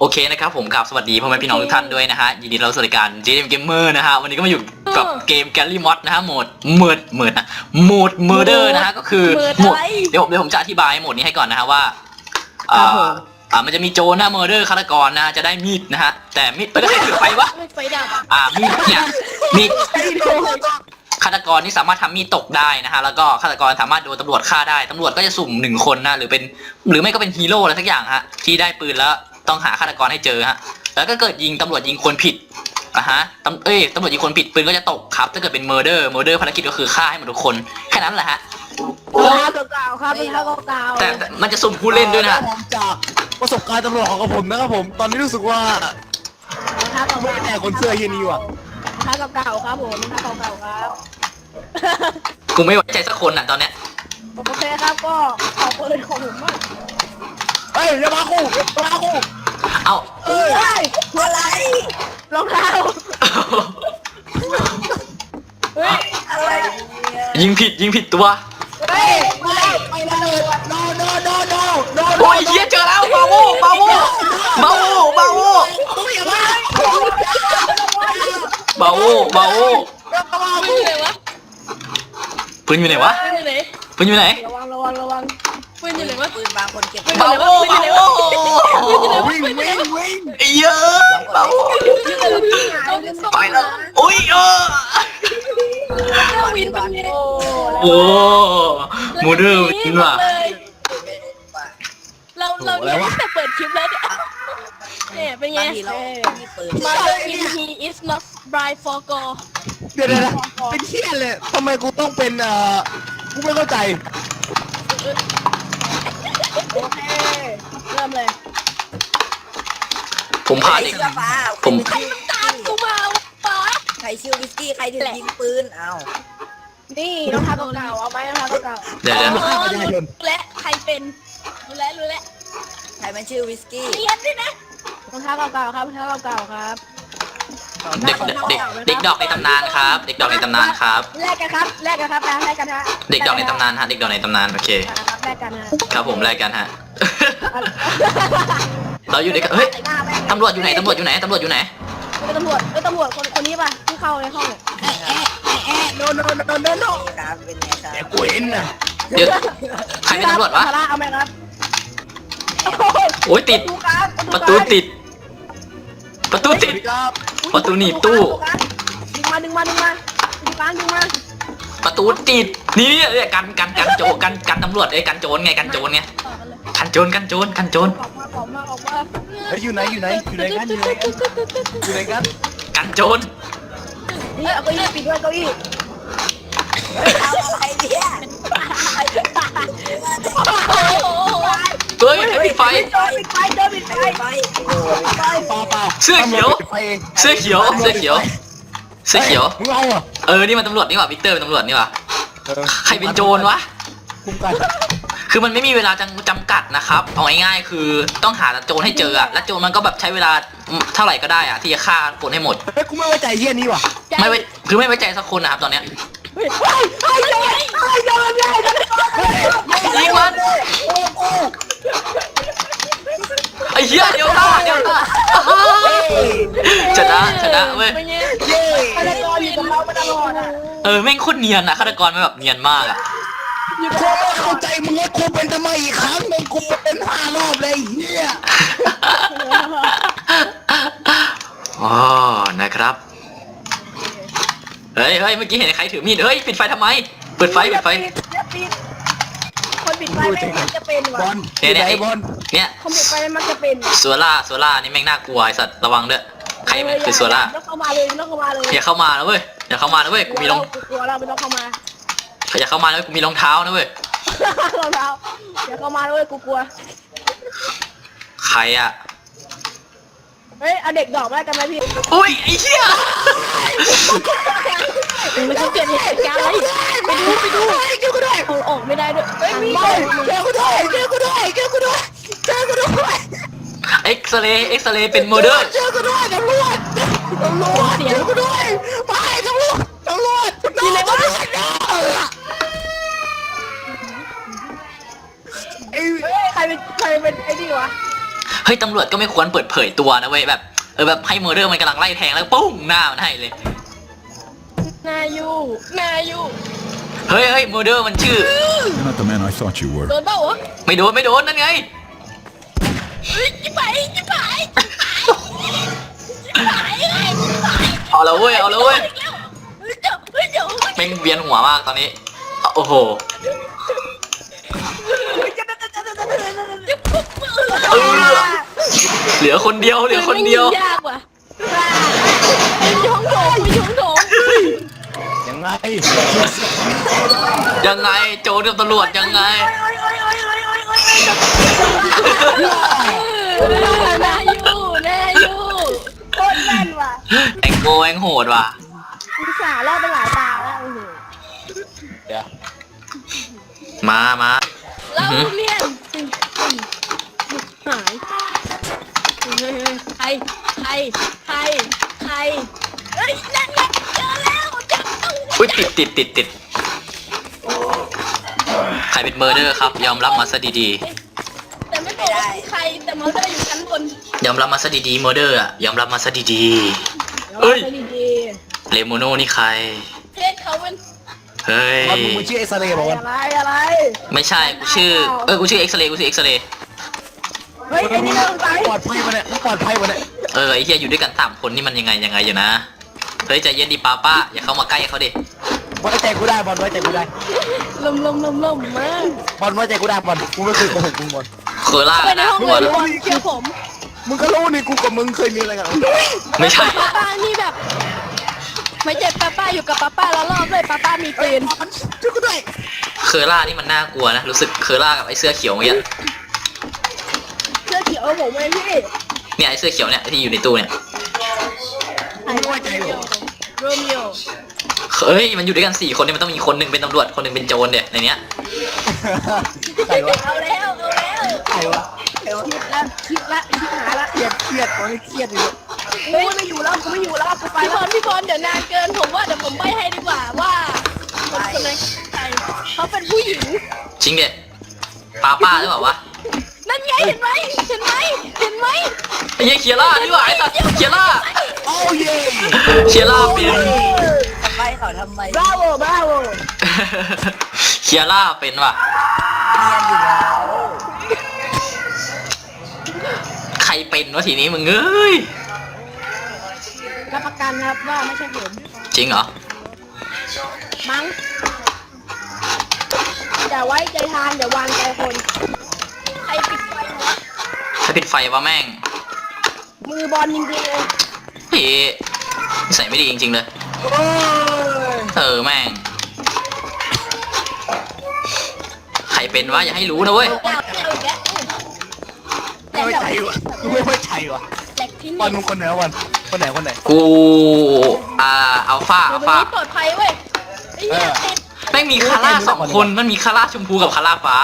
โอเคนะครับผมกับสวัสดีพ่อแม่พี่น้องทุกท่านด้วยนะฮะยินดีต้อนรับสู่รายการ JDM Gamer นะฮะวันนี้ก็มาอยู่กับเกม Galley Mod นะฮะโหมด Murder นะฮะก็คือโหมดเดี๋ยวผมจะอธิบายโหมดนี้ให้ก่อนนะฮะว่ามันจะมีโจรนะ Murder ฆาตกรนะจะได้มีดนะฮะแต่มีดไม่ได้ถือไฟวะไฟดับมีดเนี่ยมีดฆาตกรนี่สามารถทำมีดตกได้นะฮะแล้วก็ฆาตกรสามารถโดนตำรวจฆ่าได้ตำรวจก็จะสุ่ม1คนนะหรือไม่ก็เป็นฮีโร่อะไรสักอย่างฮะที่ได้ปืนแล้วต้องหาฆาตกรให้เจอฮะแล้วก็เกิดตำรวจยิงคนผิดตำรวจยิงคนผิดปืนก็จะตกครับถ้าเกิดเป็น murder ภารกิจก็คือฆ่าให้หมดทุกคนแค่นั้นแหละฮะเก่าครับเป็นเก่าแต่มันจะสุ่มผู้เล่นด้วยนะจากประสบการณ์ตำรวจของผมนะครับผมตอนนี้รู้สึกว่าไม่แน่คนเสื้อเฮียนี่ว่ะเก่าครับผมเก่าครับกูไม่ไว้ใจสักคนอ่ะตอนเนี้ยโอเคครับก็ขอปืนของผมมากเฮ้ยอย่ามาคู่อย่ามาคู่เอาอะไรรองเท้าเฮ้ยอะไรยิงผิดตัวเฮ้ยไม่ได้โนโนโนโนโนโอ้ยเหี้ยเจอแล้วบาโวอย่ามาบาโว ปืนอยู่ไหนวะ ปืนอยู่ไหนระวังปืนอยู่ไหนวะปืนบางคนเก็บบาโววิ่งไอ้เหี้ยบาโวไปแล้วอุ้ยวินบันโอ้มูเดอร์วินว่ะเราเนี่ยแต่เปิดคลิปแล้วเนี่ยเป็นไงมาเลย he is not bright for go เดี๋ยวเป็นเชี่ยเลยทำไมกูต้องเป็นกูไม่เข้าใจโอเคเริ่มเลยผมพาเด็กผมใครมันตามกูมาป๋าใครชื่อวิสกี้ใครถึงยิงปืนเอานี่รองเท้าเก่าเอาไหมรองเท้าเก่าเดี๋ยวและใครเป็นรู้แล้วใครมันชื่อวิสกี้เรียนด้วยนะรองเท้าเก่าครับรองเท้าเก่าครับเด็กดอกในตำนานครับ เด็กดอกในตำนานครับแลกกันครับแลกกันฮะเด็กดอกในตำนานฮะเด็กดอกในตำนานโอเคแลกกันฮะครับผมแลกกันฮะ เราอยู่ในเฮ้ยตำรวจอยู่ไหนตำรวจอยู่ไหนตำรวจอยู่ไหนตำรวจคนนี้ป่ะที่เข้าในห้องเนี่ยโนโนครับเป็นไงครับแต่กูเห็นนะเดี๋ยวใครเป็นตำรวจวะเอาไหมครับโอ้ยติดประตูติด ประตูติดครับประตูหนีบตู้ดึงมาดึงมาประตูติดนี่เนี่ยกันโจรกันตำรวจกันโจรไงกันโจรไงกันโจรออกมาเฮ้ยอยู่ไหนกันกันโจรนี่เอาเก้าอี้ปิดด้วยเก้าอี้เอาอะไรเนี่ยเฮ้ยปิดไฟปิดไฟไปเปล่าเสื้อเขียวมึงเอาอ่ะนี่มันตำรวจนี่หว่าวิกเตอร์เป็นตำรวจนี่หว่าใครเป็นโจรวะคุ้มกันคือมันไม่มีเวลาจำกัดนะครับเอาง่ายๆคือต้องหาโจรให้เจออะและโจรมันก็แบบใช้เวลาเท่าไหร่ก็ได้อะที่จะฆ่าคนให้หมดเฮ้ยกูไม่ไว้ใจเฮียนี่ว่ะไม่ไว้ใจสักคนนะครับตอนเนี้ยยิงมันไอ้เหี้ยเดี๋ยวตาชนะเว้ยฆาตกรอยู่กับเรามาตลอดอ่ะแม่งโคตรเนียนอะฆาตกรมันแบบเนียนมากอะกูไม่เข้าใจมึงว่ากูเป็นทำไมอีกครั้งนึงกูเป็น5 รอบเลยเฮียอ๋อนะครับเฮ้ยเมื่อกี้เห็นใครถือมีดเฮ้ยปิดไฟทำไมเปิดไฟคนปิดไฟไม่จะเป็นบว่ะอลไหนบอลเนี่ยคนปิดไฟมันจะเป็นซัวล่านี่แม่งน่ากลัวไอ้สัตว์ระวังด้วยใครมันคือซัวล่าต้องเข้ามาเลยอย่าเข้ามานะเว้ยกูมีรองกลัวเราไม่ต้องเข้ามาอย่าเข้ามานะเว้ยกูมีรองเท้านะเว้ยเราอย่าเข้ามาเลยกูกลัวใครอะเฮ้ยเอาเด็กดอกมากันไหมพี่อุ้ยไอ้เหี้ยมันจะเกิดเหตุการณ์อะไรไปดูเอาออกไม่ได้ด้วยเฮ้ยมีเจอกูด้วยเอ็กซเรย์เป็นโมเดอร์เจอกูด้วยตำรวจเจอกูด้วยไปตำรวจมีอะไรวะใครเป็นไอ้นี่วะเฮ้ยตำรวจก็ไม่ควรเปิดเผยตัวนะเว้ยแบบแบบให้เมอร์เดอร์มันกำลังไล่แทงแล้วปุ้งหน้ามันให้เลยนายูเฮ้ยเมอร์เดอร์มันชื่อ You're not the man I thought you were. โดนเปล่าวะไม่โดนนั่นไงจิ๋ไปเอาละเว้ยเเดี๋ยวแม่งเวียนหัวมากตอนนี้โอ้โหเหลือคนเดียวยากว่ะไปช่องโถงยังไงยังไงโจรกับตำรวจยังไงนายูโคตรแม่นว่ะแองโกแองโหดว่ะอุตส่าห์รอดไปหลายตาแล้วเดี๋ยวมาแล้วเนี่ยหายใครเฮ้ยนั่นไงเจอแล้วจับตัวอุ้ยติดใครเป็นเมอร์เดอร์ครับยอมรับมาซะดีแต่ไม่บอกว่าใครแต่มันก็อยู่ชั้นบนๆยอมรับมาซะดีๆเมอร์เดอร์อะยอมรับมาซะดีๆเอ้ยดีเลโมโน่นี่ใครเพศเขาเป็นเฮ้ยมันมึงชื่อเอ็กซเรย์บอกว่าอะไรไม่ใช่กูชื่อกูชื่อเอ็กซเรย์เฮ้ยไอ้นี่เราตายปลอดภัยมาเนี่ยปลอดภัยมาเนี่ยไอ้เหี้ยอยู่ด้วยกัน3คนนี่มันยังไงอยู่นะเฮ้ยใจเย็นดิป้าอย่าเข้ามาใกล้เขาดิไว้ใจกูได้บอลไว้ใจกูได้ลมมากบอลไว้ใจกูได้บอลกูไม่เคยโกหกมึงบอลเคอร่าไปในนะห้องกลัเลวยบอลเชื่อผมมึงก็รู้นี่กูกับมึงเคยมีอะไรกันไม่ใช่ป้านี่แบบไม่เจ็บป้าอยู่กับป้าแล้วรอบเลยป้ามีปืนช่วยกูด้วยเคอร่านี่มันน่ากลัวนะรู้สึกเคอร่ากับไอ้เสื้อเขียวเมื่อกี้เสื้อเขียวผมเองพี่เนี่ยไอ้เสื้อเขียวเนี่ยที่อยู่ในตู้เนี่ยไม่ไว้ใจหรอโรมิโอเฮ้ยมันอยู่ด้วยกัน4คนเนี่ยมันต้องมีคนหนึ่งเป็นตำรวจคนหนึ่งเป็นโจรเนี่ยในเนี้ยใครวะเอาแล้วใครวะคิดละหาละเครียดตอนนี้เครียดอยู่เฮ้ยไม่อยู่แล้วกูไปพี่บอลเดี๋ยวนานเกินผมว่าเดี๋ยวผมใบให้ดีกว่าว่าคนไหนใครเขาเป็นผู้หญิงจริงเด็ดป้าหรือเปล่าวะนั่นไงเห็นไหมไอ้เหี้ยเคียร่านี่หว่าไอ้สัตว์เคียร่าโอ้เย่เคียร่าเป็นทำไมเขาทำไมบราโวเคียร่าเป็นว่ะเนียนอยู่แล้วใครเป็นวะทีนี้มึงเอ้ยรับประกันครับว่าไม่ใช่ผมจริงเหรอมั้งอย่าไว้ใจทางอย่าวางใจคนใครปิดไฟวะถ้าปิดไฟวะแม่งมือบอลจริงๆเลยพี่ใส่ไม่ดีจริงๆเลยโอ้ยแม่งใครเป็นวะอย่าให้รู้นะเว้ยเอาอีกแล้วไม่ไว้ใจวะกูไม่ไว้ใจวะแหลกที่บอลนี่มึงคนไหนวะบอลคนไหนกูอัลฟาตรงนี้ปลอดภัยเว้ยไอ้เหี้ยติดแม่งมีคาร่า2 คนมันมีคาร่าชมพูกับคาร่าฟ้า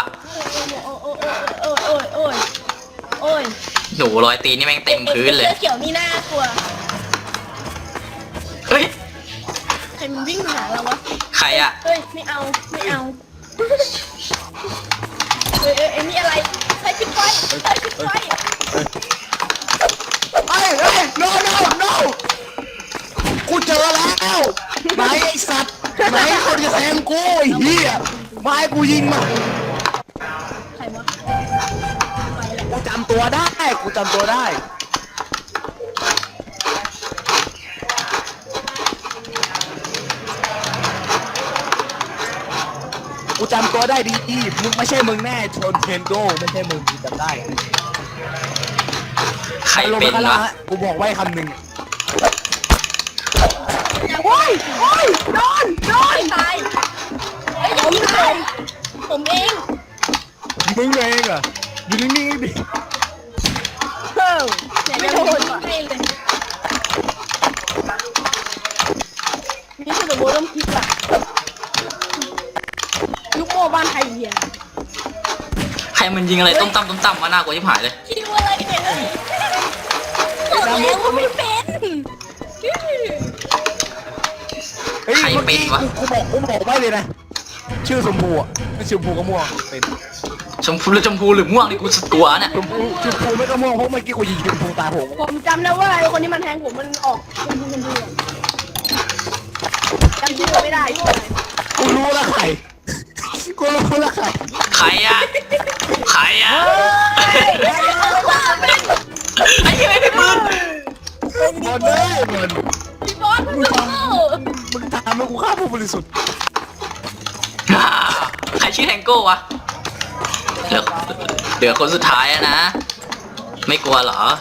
โอ้ยหนูรอยตีนนี่แม่งเต็มพื้นเลยเสื้อเขียวนี่น่ากลัวเฮ้ยใครมันวิ่งมาหาเราวะใครอะเฮ้ยไม่เอาเฮ้ยนี่อะไรใครปิดไฟเฮ้ยno กูเจอแล้วไหนไอ้สัตว์ไหนคนจะแทงกูไอ้เหี้ยไม้กูยิงมาใครวะกูจำตัวได้กูจำตัวได้ดีมึงไม่ใช่มึงแน่ชนเทนโดไม่ใช่มึงกูจำได้ใครเป็นลงวะมากูบอกไว้คำหนึ่งโอ้ยโดนตายเฮ้ยผมตายผมเองมึงเองเหรออยู่นิ่งๆดิไม่โดนไม่เลยนี่คือโบต้องคิดอะลูกโม่บ้านไทยเหี้ยใครมันยิงอะไรต้มตั้มมาน่ากลัวชิบหายเลยคิดว่าอะไรเนี่ยบอกแล้วว่าไม่เป็นเฮ้ยเมื่อกี้กูบอกไว้เลยนะชื่อชมพูอ่ะไม่ชมพูก็ม่วงเป็นชมพูหรือม่วงนี่กูสุดกลัวเนี่ยชมพูไม่ต้องมองเพราะเมื่อกี้กูยิงชมพูตาผมผมจำได้ว่าไอ้คนที่มันแทงผมมันออกชมพูจำชื่อไม่ได้กูรู้แล้วใครกูรู้แล้วใครใครอะใครอะไอ้เหี้ยไม่มีปืนบอลเลยบอลพี่บอสมึงเข้ามึงทำให้กูฆ่าผู้บริสุทธิ์ใครชื่อแทงโก้วะเหลือคนสุดท้ายอะนะ ไม่กลัวเหรอ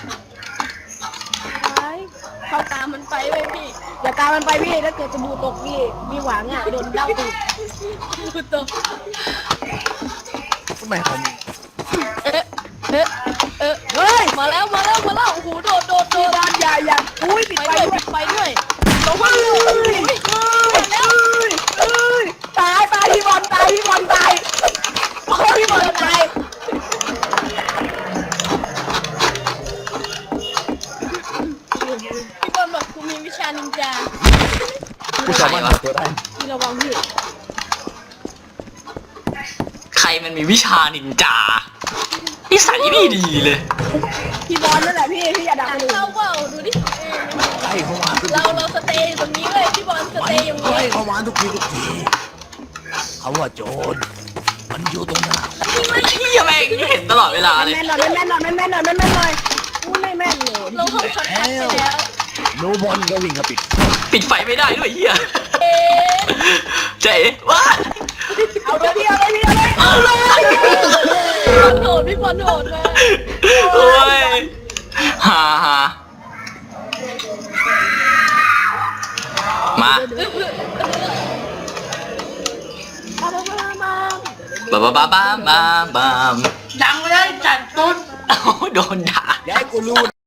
เข้าตามมันไปเว้ยพี่อย่าตามมันไปพี่ถ้าเกิดสบู่ตกพี่มีหวังอ่ะโดนเด้าตูดตกทำไมเขามีเฮ้ยมาแล้วโอ้โหโดดบอลอย่าอุ้ยปิดไฟด้วยลงมาแล้วตายพี่บอลตายพี่บอลตายพี่บอลตายพี่บอลบอกกูมีวิชานินจากูสามารถหาตัวได้พี่ระวังพี่ใครมันมีวิชานินจานิสัยไม่ดีเลยพี่บอลนั่นแหละพี่อย่าดักเลยเข้าเปล่าดูดิไล่เข้ามาทุกเราสเตย์ตรงนี้เลยพี่บอลสเตย์อย่างนี้ไล่เข้ามาทุกทีคำว่าโจรมันอยู่ตรงหน้าเหี้ยแม่งเห็นตลอดเวลาเลยแม่นหน่อยอู้ไม่แม่นเลยเราเข้าช็อตคัทไปแล้วโนบอลก็วิ่งกับปิดปิดไฟไม่ได้ด้วยเหี้ยเจ๊ว้าเอาเลยพี่โดดพี่บอลโดดมาโอ้ยฮ่ามาบ้าดังไปเลยจัดตุ้นโดนด่าอย่าให้กูรู้